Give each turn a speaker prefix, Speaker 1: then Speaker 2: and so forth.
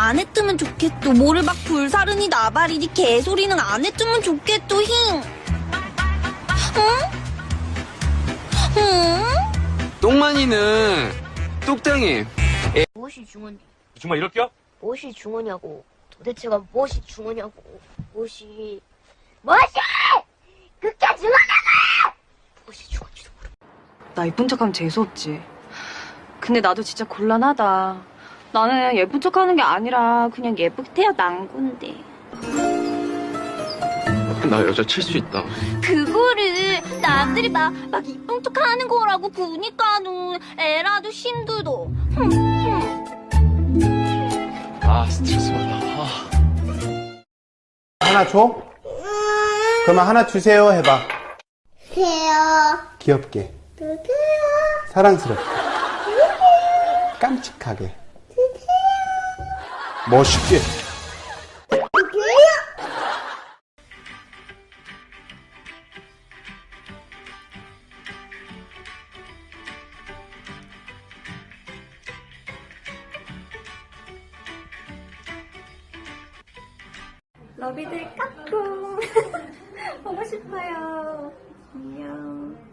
Speaker 1: 안 했으면 좋겠어. 뭐를 막 불사르니 나발이니 개소리는 안 했으면 좋겠어. 힝. 응? 응?
Speaker 2: 똥만이는 똑땡이.
Speaker 3: 무엇이 중요냐?
Speaker 4: 정말 이럴게요?
Speaker 3: 무엇이 중요냐고. 도대체가 무엇이 중요냐고. 무엇이 그게 중요냐고! 무엇이 중요한지도 모르고.
Speaker 5: 나 예쁜 척하면 재수없지. 근데 나도 진짜 곤란하다. 나는 예쁜 척하는 게 아니라 그냥 예쁘게 태어난 건데.
Speaker 2: 나 여자 칠 수 있다.
Speaker 1: 그거를 남들이 막 이쁜 척 하는 거라고 보니까는 애라도 힘들어.
Speaker 2: 아, 스트레스 받아.
Speaker 6: 하나 줘? 그러면 하나 주세요 해봐.
Speaker 7: 주세요.
Speaker 6: 귀엽게.
Speaker 7: 주세요.
Speaker 6: 사랑스럽게. 깜찍하게. 멋있게.
Speaker 5: 러비들 까꿍. 보고 싶어요. 안녕.